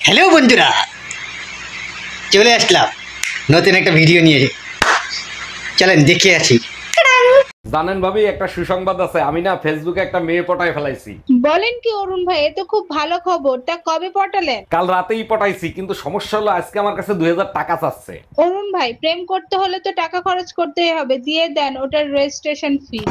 Hello বন্ধুরা, চলে আসলাম নতুন একটা ভিডিও নিয়ে। চলেন দেখে আসি। জানেন ভাবি, একটা সুসংবাদ আছে। আমি না ফেসবুকে একটা মেয়ে পটায় ফেলাইছি। বলেন কি অরুণ ভাই, এ তো খুব ভালো খবর। তা কবে পটালেন? কাল রাতেই পটাইছি, কিন্তু সমস্যা হলো আজকে আমার কাছে 2000 টাকা চাচ্ছে। অরুণ ভাই, প্রেম করতে হলে তো টাকা খরচ করতেই হবে, দিয়ে দেন ওটার রেজিস্ট্রেশন ফি।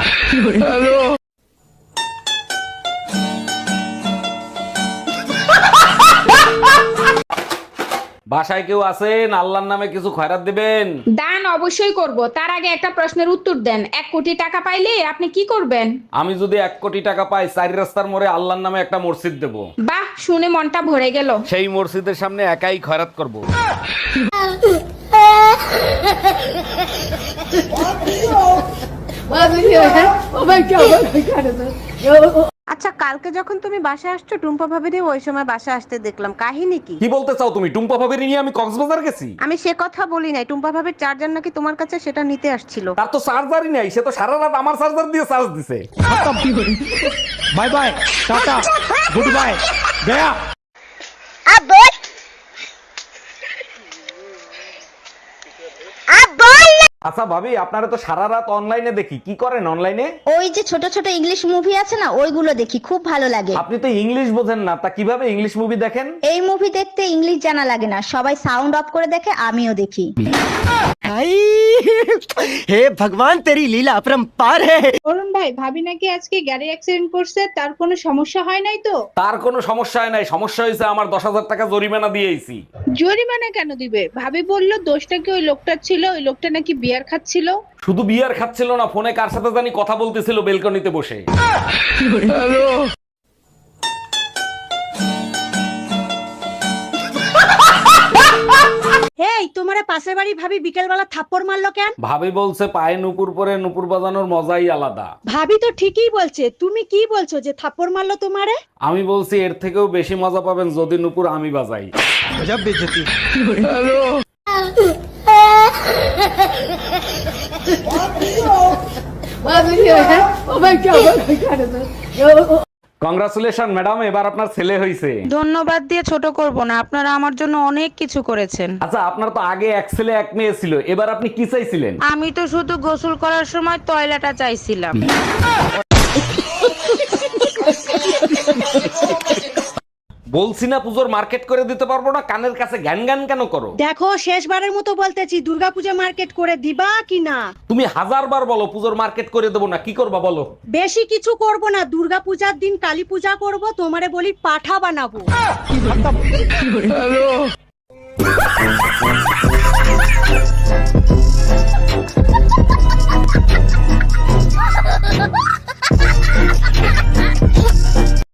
বাসায় কেউ আছেন? আল্লাহর নামে কিছু খয়রাত দিবেন। দান অবশ্যই করব, তার আগে একটা প্রশ্নের উত্তর দেন। 1 কোটি টাকা পাইলে আপনি কি করবেন? আমি যদি 1 কোটি টাকা পাই, 4 রাস্তার মোড়ে আল্লাহর নামে একটা মসজিদ দেব। বাহ, শুনে মনটা ভরে গেল। সেই মসজিদের সামনে একাই খয়রাত করব। আচ্ছা, কালকে যখন তুমি বাসায় আসছো টুম্পা ভাবিরে ওই সময় বাসায় আসতে দেখলাম, কাহিনী কি? কি বলতে চাও তুমি? টুম্পা ভাবির নিয়ে আমি কক্সবাজার গেছি? আমি সে কথা বলি নাই, টুম্পা ভাবির চার্জার নাকি তোমার কাছে, সেটা নিতে আসছিল। তার তো চার্জারই নাই, সে তো সারা রাত আমার চার্জার দিয়ে চার্জ দিছে। बाय बाय टाटा गुड बाय गया। আচ্ছা ভাবি, আপনারা তো সারা রাত অনলাইনে দেখি, কি করেন অনলাইনে? ওই যে ছোট ছোট ইংলিশ মুভি আছে না, ওইগুলো দেখি, খুব ভালো লাগে। আপনি তো ইংলিশ বোঝেন না, তা কিভাবে ইংলিশ মুভি দেখেন? এই মুভি দেখতে ইংলিশ জানা লাগে না, সবাই সাউন্ড অফ করে দেখে, আমিও দেখি। हे भगवान तेरी लीला अपरंपार है। অরুণ ভাই, ভাবি নাকি আজকে গাড়ি অ্যাক্সিডেন্ট করছে, তার কোনো সমস্যা হয় নাই তো? তার কোনো সমস্যা হয় নাই, সমস্যা হয়েছে আমার 10,000 টাকা জরিমানা দিয়েছি। জরিমানা কেন দিবে? ভাবি বললো দোষটা কি ওই লোকটার ছিল, ওই লোকটা নাকি বিয়ার খাচ্ছিল। শুধু বিয়ার খাচ্ছিল না, ফোনে কার সাথে জানি কথা বলতেছিল বেলকনিতে বসে। এই তোমারে পাশের বাড়ি ভাবি বিকেল বেলা থাপ্পড় মারলো কেন? ভাবি বলছে পায়ে নুপুর পরে নুপুর বাজানোর মজাই আলাদা। ভাবি তো ঠিকই বলছে, তুমি কি বলছো যে থাপ্পড় মারলো তোমারে? আমি বলছি এর থেকেও বেশি মজা পাবেন যদি নুপুর আমি বাজাই। गजब बेइज्जती। কংগ্রাচুলেশন ম্যাডাম, এবার আপনার ছেলে হয়েছে। ধন্যবাদ দিয়ে ছোট করব না, আপনারা আমার জন্য অনেক কিছু করেছেন। আচ্ছা, আপনার তো আগে এক ছেলে এক মেয়ে ছিল, এবার আপনি কি চাইছিলেন? আমি তো শুধু গোসল করার সময় টয়লেটটা চাইছিলাম। বলছি না পুজোর মার্কেট করে দিতে পারবো না, কানের কাছে জ্ঞান জ্ঞান কেন করো? দেখো, শেষবারের মতো বলতেছি, দুর্গাপূজা মার্কেট করে দিবা কি না? তুমি 1000 বার বলো পুজোর মার্কেট করে দেবো না, কি করবা বলো? বেশি কিছু করব না, দুর্গাপূজার দিন কালী পূজা করব, তোমারে বলি পাঠা বানাবো। Ha ha ha ha!